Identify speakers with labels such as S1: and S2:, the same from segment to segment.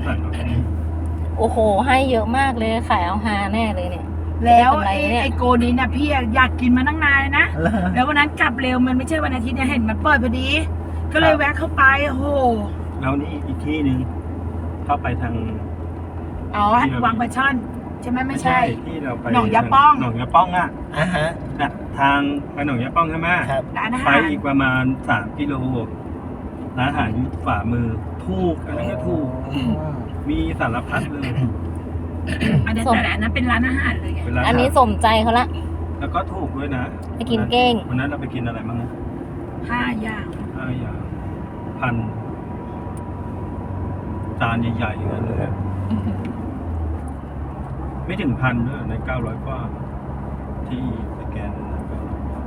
S1: สั่งเอาที่นี่
S2: โอ้โหให้เยอะมากเลยขายเอาฮาแน่เลยเนี่ย
S3: แล้ว
S2: ได้กำไรเนี่ย
S3: ไอโกนี้นะพี่อยากกินมาตั้งนานเลยนะ แล้ววันนั้นกลับเร็วมันไม่ใช่วันอาทิตย์เนี่ยเห็นมันเปิดพอดี ก็เลยแวะเข้าไปโอ้โห
S1: แล้วนี่อีกที่หนึ่งเข้าไปทาง
S3: อ๋อวังปลาช่อนใช่ไหมไม่ใช่
S1: ที่เราไป
S3: หนองยาป้อง
S1: หนองยาป้องอ่ะ
S4: ฮะ
S1: น่ะทางไปหนองยาป้องใช่ไหม
S4: ครับ
S3: ร้านอา
S1: ไป
S3: หาร
S1: อีกประมาณ3 กิโลร้านอาหารอยู่ฝ่ามือถูกอันนั้นก็ถูกมีสารพัดเลย
S3: อันนั้นแต่อันนั้นเป็นร้านอาหารเลยไง
S1: เวลา
S2: อันนี้สมใจเขาละ
S1: แล้วก็ถูกด้วยนะ
S2: ไปกินเก้ง
S1: วันนั้นเราไปกินอะไรบ้างนะ
S3: 5 อย่าง
S1: 5 อย่างพันจานใหญ่ๆอย่างนั้นเลยอะไม่ถึงพันด้วยใน900 กว่าที่สแกนนั้นนะ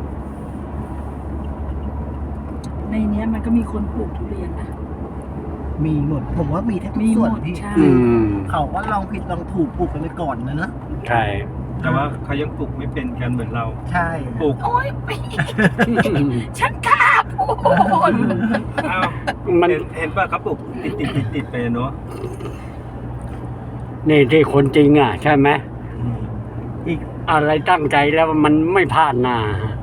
S3: ในเนี้ยมันก็มีคนปลูกทุเรียนนะ
S4: มีหมดผมว่ามีแทบทุ
S3: มี
S4: ก
S3: ห
S4: ส่
S3: ม
S4: วน
S3: ด
S4: ที่
S3: ใช่
S4: เขาก็ลองผิดลองถูกปลูกกันไปก่อนนะ
S5: ใช่
S1: แต่ว่าเขายังปลูกไม่เป็นกันเหมือนเรา
S4: ใช่
S1: ปลูก
S3: โอ้ยไม่ฉันกล้าพูด
S1: อ้าว
S5: มัน
S1: เห็นป่ะเขาปลูกติดไปเนาะ
S5: นี่ที่คนจริงอ่ะ ใช่ไหม
S4: อีก
S5: อะไรตั้งใจแล้วมันไม่พลาดหน้า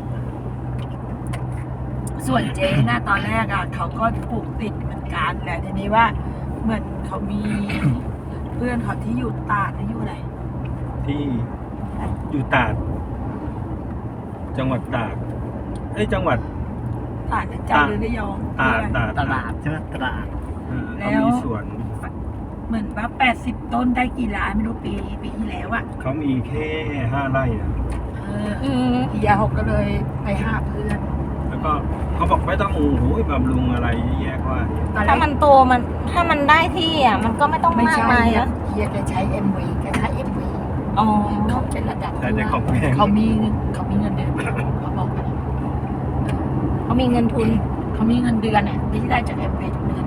S3: ส่วนเจ๊นะตอนแรกอ่ะเขาก็ปลูกติดเหมือนกันแหละทีนี้ว่าเหมือนเขามี เพื่อนเขาที่อยู่ตราดที่อยู่ไหน
S1: ที่อยู่ตราดจังหวัดตราดจังหวัด
S3: ตราดหรือจันทร์หรือระยอง
S1: ตราด
S4: ตลาดใช่ไหมตลาด
S1: เขามีสวน
S3: เหมือนว่า80 ต้นได้กี่ล้านไม่รู้ปีที่แล้วอ่ะ
S1: เขามีแค่5 ไร่อะ
S2: อืม
S3: พี่ยาเขาก็เลยไปหาเพื่อน
S1: แล้วก็เขาบอกไม่ต้องโอ้โหบำรุงอะไรแยกว่า
S3: ตอนแร
S2: ถ้าก มันโตมันถ้ามันได้ที่อ่ะมันก็ไม่ต้อง
S3: ไม่
S2: มาก
S3: ใช่
S2: มาย
S3: อะ
S2: นะ
S3: เฮียแกใช้ MV แกใช้ MV
S2: อ๋อ
S3: เขาเป็นระดับ
S1: แต่ในของแพง
S3: เขามีเงินเดือนเขาบอกกัน
S2: เขามีเงินทุน
S3: เขามีเงินเดือนอ่ะที่ได้จาก MV ทุกเดือน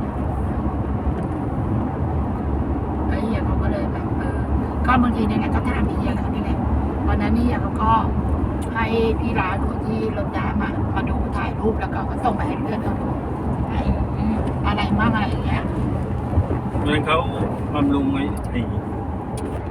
S3: ไอ้เฮียเขาก็เลยแบบก็บางทีเนี่ยก็ถามพี่เฮียเขานี่แหละวันนั้นนี่เฮียเขาก็ให้พี่ร้านคนที่รถน้ำอ่ะมาดูถ่ายรูปแล้วก็เขาส่งไปให้เพื่อนเขาดูอะไรมั่งอะไรอย่างเงี้ย
S1: เพราะฉะนั้นเขาบำรุงไอ้